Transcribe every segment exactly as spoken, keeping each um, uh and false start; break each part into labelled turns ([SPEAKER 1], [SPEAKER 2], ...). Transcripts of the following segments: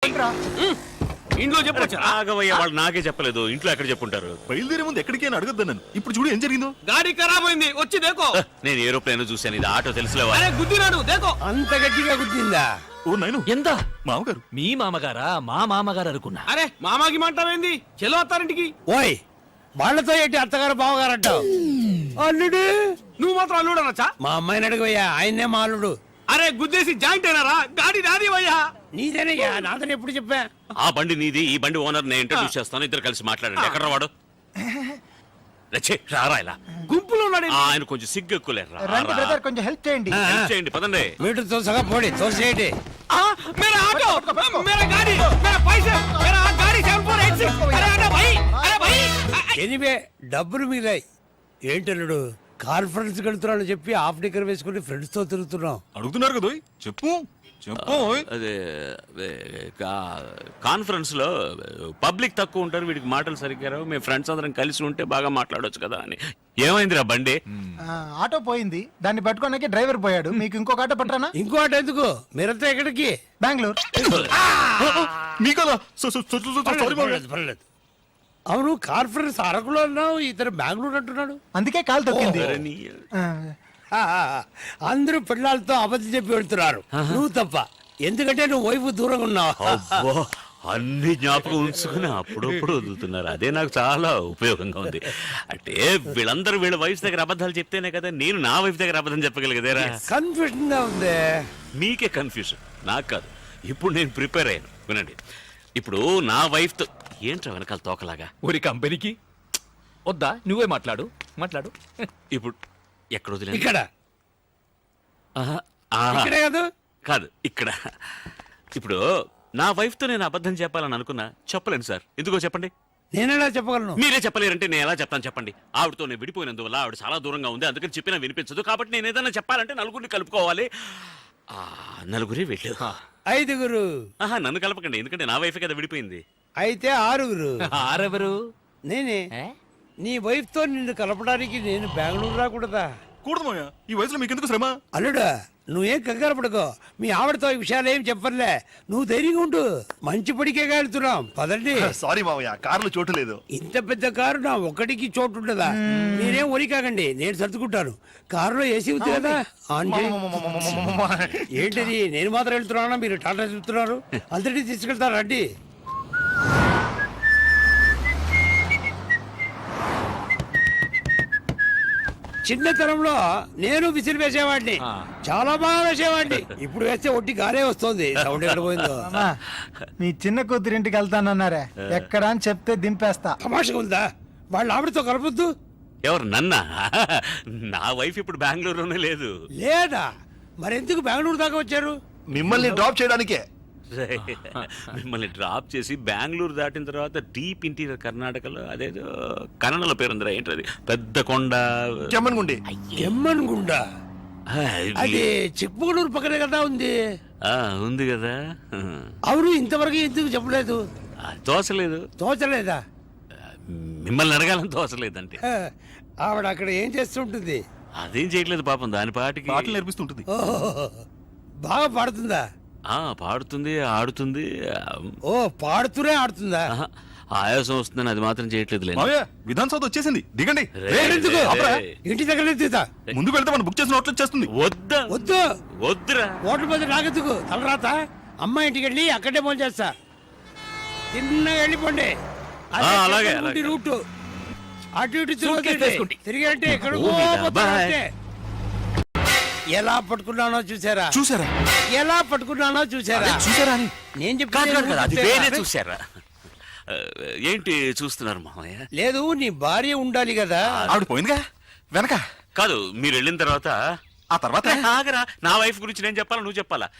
[SPEAKER 1] ఇంట్లో చెప్పొచ్చు.
[SPEAKER 2] ఆగవయ్య, వాళ్ళు నాకే చెప్పలేదు. ఇంట్లో ఎక్కడ చెప్పుంటారు?
[SPEAKER 3] బయలుదేరే ముందు ఎక్కడికి అని అడగద్దు నన్ను. ఇప్పుడు చూడు ఏం జరిగిందో.
[SPEAKER 1] గాడి ఖరాబ్ అయింది, వచ్చి దేకో.
[SPEAKER 2] నేను ఏరోప్లేన్ చూశాను, ఇది ఆటో తెలుసులేవా?
[SPEAKER 1] అరే గుద్దినాడు, దేకో.
[SPEAKER 4] అంత గట్టిగా గుద్దిందా?
[SPEAKER 3] ఓ నాయను,
[SPEAKER 5] ఎంత
[SPEAKER 3] మామగారు.
[SPEAKER 5] మీ మామగారా? మా మామగారు అనుకున్నా.
[SPEAKER 1] అరే మామాకి మంటావేంది? చెలో అత్తారింటికి.
[SPEAKER 4] ఓయ్, వాళ్ళతో ఏంటి అత్తగారు బావగారు అంటావు? అల్లుడు
[SPEAKER 1] నువ్వు మాత్రం అల్లుడు అనొచ్చా?
[SPEAKER 4] మా అమ్మాయిని అడుగుయ్యా, ఆయన్నే మా అల్లుడు.
[SPEAKER 1] అరే గుద్దేసి జాయింట్ అయినారా? గాడి నాది అయ్యా.
[SPEAKER 4] నీదేనయ్యా, నాదని ఎప్పుడు చెప్పా?
[SPEAKER 2] ఆ బండి నీది, ఈ బండి ఓనర్ నేను ఇంట్రడ్యూస్ చేస్తాను, ఇద్దరు కలిసి మాట్లాడండి. ఎక్కడ వాడు? రచ్చే రారా ఇలా.
[SPEAKER 1] గుంపులో ఉన్నాడు.
[SPEAKER 2] ఆయన కొంచెం సిగ్గు ఎక్కువలేరు.
[SPEAKER 6] రండి బ్రదర్, కొంచెం హెల్ప్ చేయండి.
[SPEAKER 2] చేయండి, పదండి.
[SPEAKER 4] మీటర్ తోసగా పోడి, తోసేయండి.
[SPEAKER 1] मेरा ऑटो, मेरा गाड़ी, मेरा पैसे, मेरा गाड़ी सेवन फोर एट सिक्स. अरे अरे भाई, अरे भाई.
[SPEAKER 4] ఎనివే డబ్బులు మిగిలాయి. ఏంటల్లుడు, కాన్ఫరెన్స్ వెళ్తున్నాను చెప్పి హాఫ్ డిక్కర్ వేసుకుని ఫ్రెండ్స్ తో తిరుగుతున్నాం.
[SPEAKER 3] అడుగుతున్నారు కదా, చెప్పు చెప్పు.
[SPEAKER 2] అదే కాన్ఫరెన్స్ లో పబ్లిక్ తక్కువ ఉంటారు, వీడికి మాటలు సరిగ్గా రావు. మేము ఫ్రెండ్స్ అందరం కలిసి ఉంటే బాగా మాట్లాడొచ్చు కదా అని. ఏమైందిరా బండి?
[SPEAKER 6] ఆటో పోయింది, దాన్ని పట్టుకోడానికి డ్రైవర్ పోయాడు. మీకు ఇంకొక ఆటో పట్టరానా?
[SPEAKER 4] ఇంకో ఆట ఎందుకు? మీరంతా ఎక్కడికి?
[SPEAKER 6] బెంగళూరు.
[SPEAKER 3] మీ కదా. So- so- so- so- so- sorry మామయ్య.
[SPEAKER 4] పర్లేదు, పర్లేదు. అవును, కాన్ఫరెన్స్ అరకులో అన్నావు, ఇతను బెంగళూరు అంటున్నాడు.
[SPEAKER 6] అందుకే కాలు తొక్కింది.
[SPEAKER 2] అరే నీ-
[SPEAKER 6] ఆ,
[SPEAKER 4] ఆ, అందరూ పిల్లలతో అబద్ధం చెప్పి వెళ్తున్నారు, నువ్వు తప్ప. ఎందుకంటే నువ్వు వైపు దూరంగా ఉన్నావు.
[SPEAKER 2] అబ్బో, అన్ని జ్ఞాపకం ఉంచుకుని అప్పుడప్పుడు వదులుతున్నారు. అదే నాకు చాలా ఉపయోగంగా ఉంది. అంటే వీళ్ళందరూ వీళ్ళ వైఫ్ దగ్గర అబద్ధాలు చెప్తేనే కదా నేను నా వైఫ్ దగ్గర అబద్ధం చెప్పగలిగేదేరా.
[SPEAKER 4] కన్ఫ్యూజన్ గా ఉంది.
[SPEAKER 2] మీకే కన్ఫ్యూజన్, నాకు కాదు. ఇప్పుడు నేను ప్రిపేర్ అయ్యాను, వినండి. ఇప్పుడు నా వైఫ్ తో ఏంట్రా వెనకాల తోకలాగా?
[SPEAKER 5] ఊరి కంపెనీకి వద్దా? నువ్వే మాట్లాడు, మాట్లాడు.
[SPEAKER 2] ఇప్పుడు ఎక్కడ వదిలే?
[SPEAKER 4] ఇక్కడ ఇక్కడే కాదు
[SPEAKER 2] కాదు, ఇక్కడ. ఇప్పుడు నా వైఫ్ తో నేను అబద్ధం చెప్పాలని అనుకున్నా, చెప్పలేను సార్. ఎందుకో చెప్పండి.
[SPEAKER 4] నేనేలా చెప్పగలను?
[SPEAKER 2] మీరే చెప్పలేరంటే నేను ఎలా చెప్తాను చెప్పండి. ఆవిడతో నేను విడిపోయినందువల్ల ఆవిడ చాలా దూరంగా ఉంది, అందుకని చెప్పినా వినిపించదు. కాబట్టి నేను ఏదైనా చెప్పాలంటే నలుగురిని కలుపుకోవాలి. ఆ నలుగురే వెళ్ళు.
[SPEAKER 4] ఐదుగురు.
[SPEAKER 2] ఆహా, నన్ను కలపకండి, ఎందుకంటే నా వైఫ్ కదా విడిపోయింది.
[SPEAKER 4] అయితే ఆరుగురు.
[SPEAKER 5] ఆరెవరు?
[SPEAKER 4] నేనే. నీ వైఫ్ తో నిన్ను కలపడానికి నేను బెంగళూరు రాకూడదా?
[SPEAKER 3] కూడదు మామయ్య, ఈ వయసులో మీకు ఎందుకు శ్రమ?
[SPEAKER 4] అల్లుడా, నువ్వేం కంగారు పడుకో. మీ ఆవిడతో ఈ విషయాలు ఏం చెప్పర్లే. నువ్వు ధైర్యంగా ఉండు. మంచి పడికే వెళ్తున్నాం, పదండి.
[SPEAKER 3] సారీ మామయ్య, కారులో చోటు లేదు.
[SPEAKER 4] ఇంత పెద్ద కారు నా ఒక్కడికి చోటు ఉంటుందా? మీరేం ఒరి కాకండి, నేను సర్దుకుంటాను. కారులో ఏసీ ఉంది కదా, ఆన్ చేయి. ఏంటిది, నేను మాత్రం వెళ్తున్నానా? మీరు టాటా చెప్తున్నారు. అందరినీ తీసుకెళ్తారు, రండి. చిన్నతనంలో నేను విసిరి వేసేవాడిని, చాలా బాగా వేసేవాడిని. ఇప్పుడు వేస్తే ఒట్టి గారే వస్తుంది. సౌండ్ ఎక్కడ పోయిందో.
[SPEAKER 6] అమ్మా, మీ చిన్న కూతురింటికి వెళ్తానన్నారే, ఎక్కడ అని చెప్తే దింపేస్తా.
[SPEAKER 4] తమాషగా ఉందా? వాళ్ళ ఆవిడతో కలపొద్దు.
[SPEAKER 2] ఎవరు, నన్నా? నా వైఫ్ ఇప్పుడు బెంగళూరులోనే లేదు.
[SPEAKER 4] లేదా? మరెందుకు బెంగళూరు దాకా వచ్చారు?
[SPEAKER 3] మిమ్మల్ని డ్రాప్ చేయడానికే.
[SPEAKER 2] మిమ్మల్ని డ్రాప్ చేసి బెంగళూరు దాటిన తర్వాత డీప్ ఇంటీరియర్ కర్ణాటకలో అదేదో కన్నడలో పేరుందిరా, ఏంటది, పెద్ద కొండ,
[SPEAKER 3] చెమ్మన్గుండి.
[SPEAKER 4] ఎమ్మన్ గుండా.
[SPEAKER 2] ఆ,
[SPEAKER 4] అది చిక్మగళూరు పక్కనే కదా ఉంది.
[SPEAKER 2] ఆ, ఉంది కదా.
[SPEAKER 4] అవును, ఇంతవరకు ఎందుకు చెప్పలేదు?
[SPEAKER 2] ఆ, తోసలేదు.
[SPEAKER 4] తోచలేదా?
[SPEAKER 2] మిమ్మల్ని అడగాలని తోసలేదంటే.
[SPEAKER 4] ఆ, ఆవిడ అక్కడ ఏం చేస్తుంటుంది?
[SPEAKER 2] అదేం చేయట్లేదు పాపం, దాని పాటికి
[SPEAKER 3] పాటలు నేర్పిస్తుంటుంది.
[SPEAKER 4] ఓహో, బాగా పాడుతుందా?
[SPEAKER 2] ఆ, పాడుతుంది, ఆడుతుంది.
[SPEAKER 4] ఓ, పాడుతూనే ఆడుతుందా?
[SPEAKER 2] ఆహా, ఆయాసం వస్తుందని అది మాత్రం చేయట్లేదు.
[SPEAKER 3] మామయ్య, విధాన్ సౌత్ వచ్చేసింది, దిగండి.
[SPEAKER 4] ఎందుకు? ఇంటి దగ్గర తీతా.
[SPEAKER 3] ముందుకు వెళ్తే మనం బుక్ చేసిన హోటల్ వచ్చేస్తుంది.
[SPEAKER 2] వద్దా?
[SPEAKER 4] వద్దు,
[SPEAKER 2] వద్దురా.
[SPEAKER 4] ఓట్ల మీద నాకెందుకు తలరాత? అమ్మ ఇంటికి వెళ్ళి అక్కడే ఫోన్ చేస్తా. తిన్నగా వెళ్ళిపోండి. అదే
[SPEAKER 2] ఆ, అలాగే,
[SPEAKER 4] చెప్పుకుంటే
[SPEAKER 2] అలాగే.
[SPEAKER 4] రూటు అటు ఇటు
[SPEAKER 5] Suitcase వేసుకోండి.
[SPEAKER 4] తిరిగి అంటే ఎక్కడికో
[SPEAKER 2] ఓ, మీద,
[SPEAKER 4] పోతారంటే. ఎలా పట్టుకున్నానో చూసారా?
[SPEAKER 3] చూసారా
[SPEAKER 4] ఎలా పట్టుకున్నానో చూసారా?
[SPEAKER 3] చూసారా అని
[SPEAKER 4] నేను
[SPEAKER 2] కాదు, కాదు, కాదు, అది వేరే
[SPEAKER 4] చెప్తాను.
[SPEAKER 2] చూసారా? ఆ, ఏంటి చూస్తున్నారు మామయ్య?
[SPEAKER 4] లేదు, నీ భార్య ఉండాలి కదా.
[SPEAKER 3] ఆవిడ పోయిందిగా వెనక.
[SPEAKER 2] కాదు, మీరు వెళ్ళిన తర్వాత
[SPEAKER 3] ఆ తర్వాత
[SPEAKER 2] ఆగరా, నా వైఫ్ గురించి నేను చెప్పాలా నువ్వు చెప్పాలా?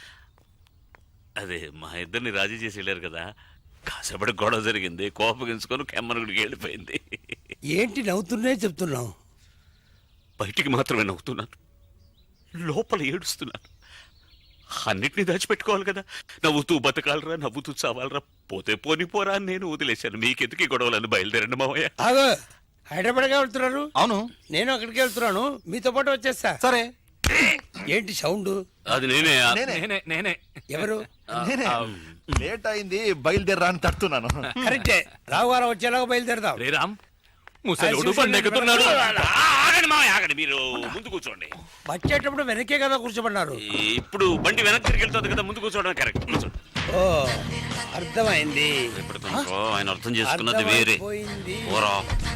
[SPEAKER 2] అదే మా ఇద్దరిని రాజీ చేసి వెళ్ళారు కదా, కాసేపటి గొడవ జరిగింది, కోపగించుకొని కెమ్మరుగుడికి వెళ్ళిపోయింది.
[SPEAKER 4] ఏంటి నవ్వుతున్నే చెప్తున్నావు?
[SPEAKER 2] బయటికి మాత్రమే నవ్వుతున్నాను, లోపల ఏడుస్తున్నాను. అన్నిటినీ దాచిపెట్టుకోవాలి కదా. నవ్వుతూ బతకాలరా, నవ్వుతూ చావాలరా, పోతే పోని పోరా అని నేను వదిలేశాను. మీకెందుకు ఈ గొడవలను? బయలుదేరండి మావయ్య.
[SPEAKER 4] ఆగో, హైదరాబాద్గా వెళ్తున్నారు?
[SPEAKER 3] అవును,
[SPEAKER 4] నేను అక్కడికి వెళ్తున్నాను, మీతో పాటు వచ్చేస్తా.
[SPEAKER 3] సరే.
[SPEAKER 4] ఏంటి సౌండ్?
[SPEAKER 2] అది నేనే ఆ,
[SPEAKER 5] నేనే నేనే
[SPEAKER 4] ఎవరు?
[SPEAKER 7] నేనే. లేట్ అయింది బయలుదేరా అని తడుతున్నాను.
[SPEAKER 4] కరెక్టే, రావుగారం వచ్చేలాగా బయలుదేరదాం.
[SPEAKER 5] రే రామ్ ముసలోడు బండెక్కుతున్నాడు.
[SPEAKER 2] ఆగండి మామయ్య ఆగండి, మీరు ముందు కూర్చోండి.
[SPEAKER 4] వచ్చేటప్పుడు వెనకే కదా కూర్చోబడినారు.
[SPEAKER 2] ఇప్పుడు బండి వెనక్కి తిరిగి వెళ్తుంది కదా, ముందు కూర్చోవడం కరెక్ట్. కూర్చోండి.
[SPEAKER 4] ఓ అర్థమైంది.
[SPEAKER 2] ఇప్పుడు తనకు ఆయన అర్థం చేసుకున్నది వేరే.
[SPEAKER 4] అర్థమైపోయింది.
[SPEAKER 2] ఓరా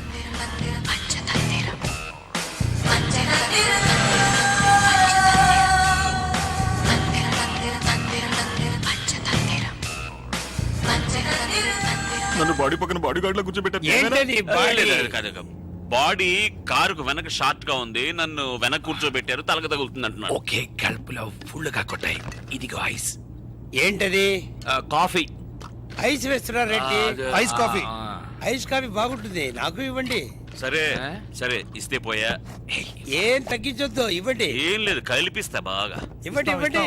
[SPEAKER 3] నన్ను బాడీ పక్కన బాడీ గార్డ్ లో కూర్చోబెట్టారు.
[SPEAKER 4] ఏంటది బాడీ?
[SPEAKER 2] లేదు, కాదు, కాదు. బాడీ కారుకు వెనక షార్ట్ గా ఉంది, నన్ను వెనక కూర్చోబెట్టారు, తలక తగులుతుంది అంటున్నాడు.
[SPEAKER 1] ఓకే, కడుపులో ఫుల్ గా కొట్టాయి. ఇదిగో ఐస్.
[SPEAKER 4] ఏంటది?
[SPEAKER 2] ఆ, కాఫీ
[SPEAKER 4] ఐస్ వేస్తున్నారు Reddy.
[SPEAKER 7] Ice coffee.
[SPEAKER 4] Ice coffee బాగుంటుంది, నాకు ఇవ్వండి.
[SPEAKER 2] సరే సరే ఇస్తే పోయా.
[SPEAKER 4] ఏం తగ్గించొద్దు, ఇవ్వండి.
[SPEAKER 2] ఏం లేదు, కలిపిస్తా బాగా.
[SPEAKER 4] ఇవ్వండి ఇవ్వండి.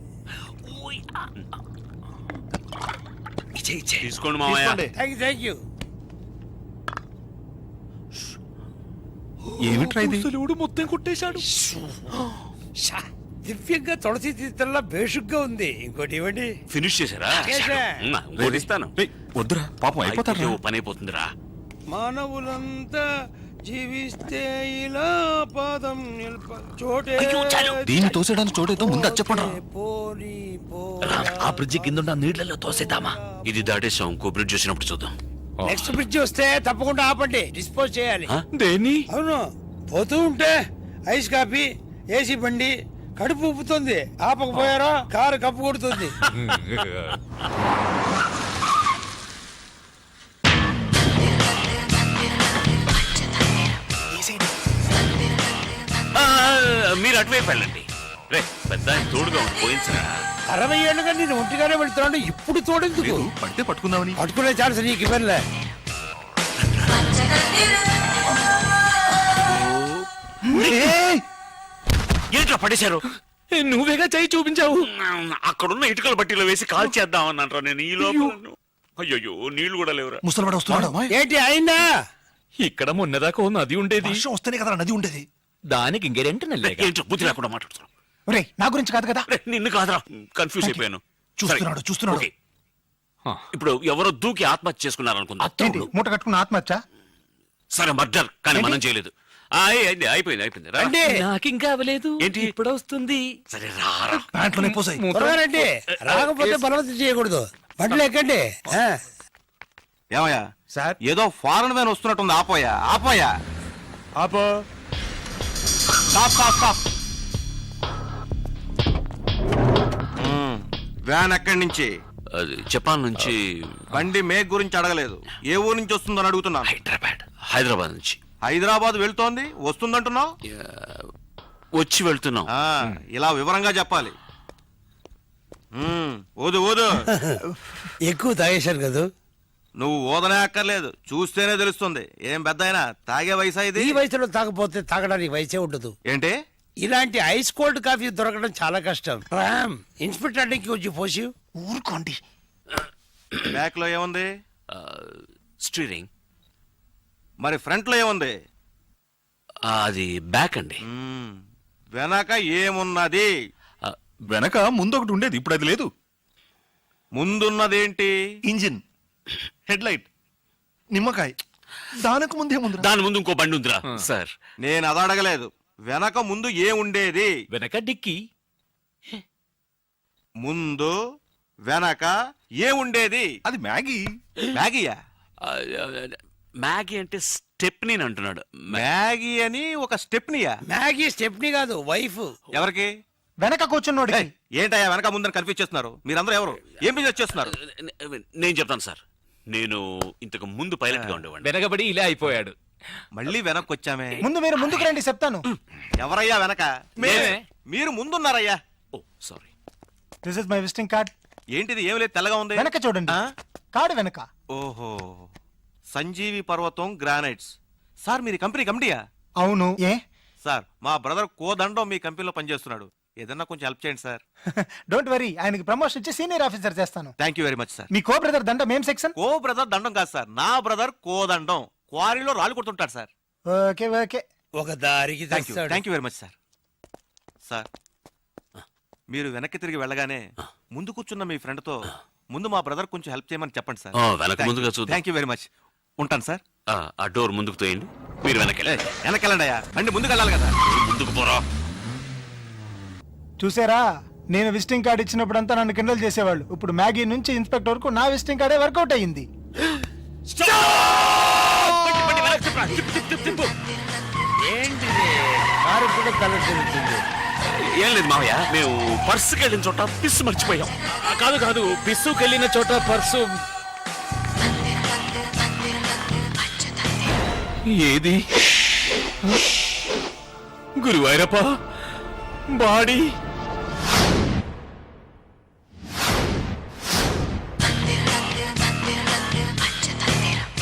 [SPEAKER 1] ఇచ్చే ఇచ్చే.
[SPEAKER 2] తీసుకోండి మామయ్య.
[SPEAKER 7] తీసుకోండి.
[SPEAKER 4] Thank you thank you.
[SPEAKER 3] ఏమిట్రా ఇది?
[SPEAKER 5] ముసలోడు మొత్తం కొట్టేశాడు.
[SPEAKER 4] షా, దివ్యంగా తులసి తీర్థంలా బేషుగ్గా ఉంది. ఇంకోటి ఇవ్వండి.
[SPEAKER 2] ఫినిష్ చేశారా?
[SPEAKER 4] చేశా.
[SPEAKER 2] ఉమ్, ఇంకోటి ఇస్తాను.
[SPEAKER 3] ఏయ్, వద్దురా పాపం అయిపోతారు.
[SPEAKER 2] అయిపోతే ఓ పని అయిపోతుందిరా.
[SPEAKER 4] మానవులంతా జీవిస్తే ఇలా పాదం నిల్ప చోటే
[SPEAKER 3] దీన్ని తోసేయడానికి చోటేదో ముందు అది చెప్పండి.
[SPEAKER 4] పోనీ
[SPEAKER 1] రామ్, ఆ బ్రిడ్జి కింద ఉన్న నీళ్లలో తోసేద్దామా?
[SPEAKER 2] ఇది దాటేసాం, ఇంకో బ్రిడ్జ్ వచ్చినప్పుడు చూద్దాం.
[SPEAKER 4] నెక్స్ట్ బ్రిడ్జ్ వస్తే తప్పకుండా ఆపండి, డిస్పోజ్ చేయాలి.
[SPEAKER 2] ఆ?
[SPEAKER 5] దేని
[SPEAKER 4] అవును, పోతూ ఉంటే ఐస్ కాఫీ, ఏసీ బండి కడుపు ఉప్పుతుంది. ఆపకపోయారా కారు కప్పు కొడుతుంది.
[SPEAKER 2] ఆ, మీరు అటువైపు వెళ్ళండి. రే పెద్ద ఆయన తోడుగా ఉండి పోయించరా.
[SPEAKER 4] అరవై ఏళ్ళుగా నేను ఒంటిగానే వెళ్తున్నాను, ఇప్పుడు తోడెందుకు?
[SPEAKER 3] పడితే పట్టుకుందామని.
[SPEAKER 4] పట్టుకునే ఛాన్స్ నీకు ఇవ్వనులే.
[SPEAKER 2] ఏంట్రా పడేశారు?
[SPEAKER 5] నువ్వేగా చేయి చూపించావు.
[SPEAKER 2] అక్కడున్న ఇటుకల బట్టీలో వేసి కాల్ చేద్దాం అన్నారా నేను ఈ లోపల. అయ్యో నీళ్లు కూడా లేవురా.
[SPEAKER 7] ముసలివాడు వస్తున్నాడు.
[SPEAKER 4] ఏంటి అయిందా?
[SPEAKER 5] ఇక్కడ మొన్నదాకా ఓ నది ఉండేది,
[SPEAKER 7] వర్షం వస్తేనే కదా నది ఉండేది.
[SPEAKER 5] దానికి ఇంకెరెంట్ నెల్లేగా.
[SPEAKER 2] ఏంటో బుద్ధి లేకుండా మాట్లాడుతున్నావు.
[SPEAKER 6] ఒరే నా గురించి కాదు కదా.
[SPEAKER 2] రే, నిన్ను కాదురా, కన్ఫ్యూజ్ అయిపోయాను.
[SPEAKER 7] చూస్తున్నాడు,
[SPEAKER 2] సరే,
[SPEAKER 7] చూస్తున్నాడు.
[SPEAKER 2] ఓకే. ఇప్పుడు ఎవరో దూకి ఆత్మహత్య చేసుకున్నారు అనుకుందా?
[SPEAKER 6] ఏంటి మూట కట్టుకున్న ఆత్మహత్య?
[SPEAKER 2] సరే మర్డర్, కానీ మనం చేయలేదు. ఆ, అయింది, అయిపోయింది అయిపోయింది రా.
[SPEAKER 4] రండి
[SPEAKER 5] నాకింకా అవ్వలేదు.
[SPEAKER 2] ఏంటి?
[SPEAKER 5] ఇప్పుడు వస్తుంది.
[SPEAKER 2] సరే రారా.
[SPEAKER 7] ప్యాంట్లోనే పోసాయి.
[SPEAKER 4] త్వరగా రండి, రాకపోతే బలవంతం చేయకూడదు. బండ్లు ఎక్కండి. ఆ.
[SPEAKER 3] ఏమయ్యా
[SPEAKER 6] సార్
[SPEAKER 3] ఏదో ఫారెన్ వ్యాన్ వస్తున్నట్టుంది. ఆపోయా ఆపోయా
[SPEAKER 6] ఆపో.
[SPEAKER 3] Stop stop stop. వ్యాన్ ఎక్కడి నుంచి?
[SPEAKER 2] అది జపాన్ నుంచి.
[SPEAKER 3] బండి మేక్ గురించి అడగలేదు, ఏ ఊరు నుంచి వస్తుందని అడుగుతున్నాను.
[SPEAKER 2] హైదరాబాద్ హైదరాబాద్ నుంచి.
[SPEAKER 3] హైదరాబాద్ వెళ్తోంది, వస్తుందంటున్నావు.
[SPEAKER 2] ఆ, వచ్చి వెళ్తున్నాం.
[SPEAKER 3] ఆ, ఇలా వివరంగా చెప్పాలి. మ్మ్, ఊదు ఊదు.
[SPEAKER 4] ఎక్కువ తాగేశారు కదా.
[SPEAKER 3] నువ్వు ఊదనే అక్కర్లేదు, చూస్తేనే తెలుస్తుంది. ఏం పెద్ద అయినా తాగే వయసా ఇది?
[SPEAKER 4] ఈ వయసులో తాగపోతే తాగడానికి వయసే ఉండదు.
[SPEAKER 3] ఏంటి?
[SPEAKER 4] ఇలాంటి ఐస్ కోల్డ్ కాఫీ దొరకడం చాలా కష్టం. రామ్, ఇన్స్పెక్టర్ కి వచ్చి పోసి.
[SPEAKER 7] ఊరుకోండి.
[SPEAKER 3] బ్యాక్ లో ఏముంది?
[SPEAKER 2] ఆ, స్టీరింగ్.
[SPEAKER 3] మరి ఫ్రంట్ లో ఏముంది?
[SPEAKER 2] ఆ, అది బ్యాక్ అండి.
[SPEAKER 3] మ్మ్, వెనక ఏమున్నది?
[SPEAKER 2] ఆ,
[SPEAKER 3] వెనక ముందు ఒకటి ఉండేది, ఇప్పుడు అది లేదు. ముందున్నదేంటి?
[SPEAKER 7] ఇంజిన్, హెడ్ లైట్, నిమ్మకాయ. దానికి ముందే ముందు
[SPEAKER 2] దాని ముందు ఇంకో బండి ఉందిరా సార్.
[SPEAKER 3] నేను అది అడగలేదు. వెనక ముందు ఏ ఉండేది?
[SPEAKER 5] వెనక డిక్కి.
[SPEAKER 3] ముందు వెనక ఏ ఉండేది? అది మ్యాగీ. మ్యాగీయా?
[SPEAKER 2] ఆ, మ్యాగీ అంటే స్టెప్నీ అంటున్నాడు.
[SPEAKER 3] మ్యాగీ అని ఒక స్టెప్నియా?
[SPEAKER 4] మ్యాగీ స్టెప్నీ కాదు, వైఫ్.
[SPEAKER 3] ఎవరికి?
[SPEAKER 6] వెనక కూర్చున్నోడి.
[SPEAKER 3] ఏయ్, ఏంటయ్యా వెనక ముందని కన్ఫ్యూజ్ చేస్తున్నారు? మీరందరూ ఎవరు? ఏం బిజినెస్ చేస్తున్నారు?
[SPEAKER 2] నేను చెప్తాను సార్. నేను ఇంతకు ముందు పైలట్ గా ఉండేవాడిని.
[SPEAKER 5] వెనకబడి ఇలా అయిపోయాడు.
[SPEAKER 3] మళ్ళీ వెనక్కి వచ్చామే.
[SPEAKER 6] ముందు మీరు ముందుకు రండి, చెప్తాను.
[SPEAKER 3] ఎవరయ్యా వెనక?
[SPEAKER 5] మేమే.
[SPEAKER 3] మీరు ముందున్నారయ్యా.
[SPEAKER 2] Oh sorry.
[SPEAKER 6] This is my visiting card.
[SPEAKER 3] ఏంటిది? ఏం లేదు, తెల్లగా ఉంది.
[SPEAKER 6] వెనక చూడండి,
[SPEAKER 3] ఆ?
[SPEAKER 6] కార్డు వెనక.
[SPEAKER 3] ఓహో, సంజీవి పర్వతం గ్రానైట్స్. సార్ మీరు కంపెనీ కమిటీయా?
[SPEAKER 6] అవును. ఏ
[SPEAKER 3] సార్ మా బ్రదర్ కోదండం మీ కంపెనీలో పనిచేస్తున్నాడు. ఏదన్నా కొంచెం హెల్ప్ చేయండి సార్.
[SPEAKER 6] డోంట్ వరీ, ఆయనకి ప్రమోషన్ ఇచ్చి సీనియర్ ఆఫీసర్ చేస్తాను.
[SPEAKER 3] Thank you very much sir.
[SPEAKER 6] మీ కో బ్రదర్ దండం ఏం సెక్షన్?
[SPEAKER 3] కో బ్రదర్ దండం కాదు సార్, నా బ్రదర్ కోదండం క్వారీలో రాళ్ళు కొడుతుంటాడు సార్.
[SPEAKER 6] Okay okay.
[SPEAKER 4] ఒక దారికి
[SPEAKER 3] థ్యాంక్ యూ
[SPEAKER 4] తెస్తాడు.
[SPEAKER 3] Thank you very much sir. Sir మీరు వెనక్కి తిరిగి వెళ్ళగానే ముందు కూర్చున్న మీ ఫ్రెండ్ తో ముందు మా బ్రదర్ కొంచెం హెల్ప్ చేయమని చెప్పండి సార్.
[SPEAKER 2] ఆ, వెనక ముందుగా చూద్దాం.
[SPEAKER 3] Thank you very much. ఉంటాను సార్.
[SPEAKER 2] ఆ, ఆ డోర్ ముందుకు తోయండి. మీరు వెనకెళ్ళి
[SPEAKER 3] వెనకెళ్ళండి అయ్యా, బండి ముందుకు వెళ్ళాలి కదా.
[SPEAKER 2] ముందుకు పోరా.
[SPEAKER 6] చూసారా, నేను విజిటింగ్ కార్డు ఇచ్చినప్పుడంతా నన్ను కిండల్ చేసేవాళ్ళు. ఇప్పుడు మ్యాగీ నుంచి ఇన్స్పెక్టర్ వరకు నా విజిటింగ్ కార్డే వర్కౌట్ అయ్యింది.
[SPEAKER 2] బండి, బండి వెనక్కి తిప్పురా. తిప్పు, తిప్పు, తిప్పు, తిప్పు.
[SPEAKER 4] ఏంటిది కారు కూడా కలర్ తిరుగుతుంది.
[SPEAKER 2] ఏం లేదు మావయ్య, మేము పర్సుకి వెళ్ళిన చోట పిస్సు మర్చిపోయాం.
[SPEAKER 5] ఆ, కాదు కాదు పిస్సుకి వెళ్ళిన చోట పర్సు ఏది? గురువాయూరప్ప బాడీ